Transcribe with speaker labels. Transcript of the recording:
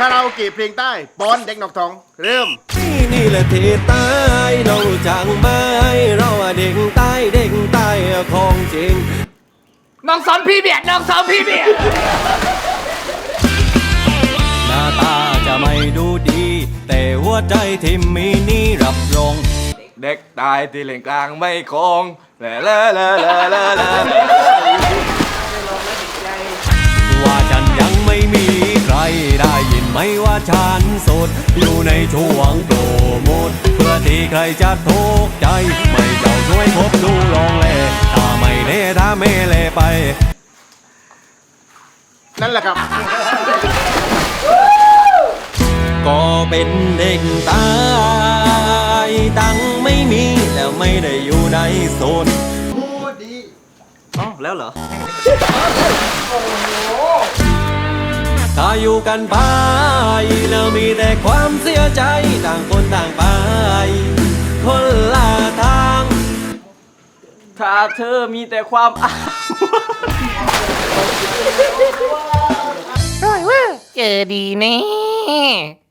Speaker 1: คาราโอเกะเพลงใต้ป้อนเด็กนอกท้องเริ่ม
Speaker 2: นี่แหละที่ใต้เราจังไหมเราเด็กใต้เด็กใต้ของจริง
Speaker 3: น้องสอนพี่เบียดน้องสอนพี่เบียด
Speaker 2: หน้าตาจะไม่ดูดี แต่หัวใจที่มีนี่รับรอง
Speaker 3: เด็กตายที่เล่นกลางไม่คงแล่ละละละละละ
Speaker 2: ว่าฉันยังไม่มีใครได้ยินไหมว่าฉันโสดอยู่ในช่วงโปรโมทเพื่อที่ใครจะทุกข์ใจไม่เจ้าช่วยพบดูลองแลถ้าไม่เล่ถ้าไม่เล่ไป
Speaker 1: นั่นแหละครับ
Speaker 2: ก็เป็นเด็กตายตังไม่มีแล้วไม่ได้อยู่ในโซนอ๋อแล้วเหรอ ถ้าอยู่กันไปแล้วมีแต่ความเสียใจต่างคนต่างไปคนละทาง
Speaker 3: ถ้าเธอมีแต่ความอ้าง
Speaker 4: เจอดีแน่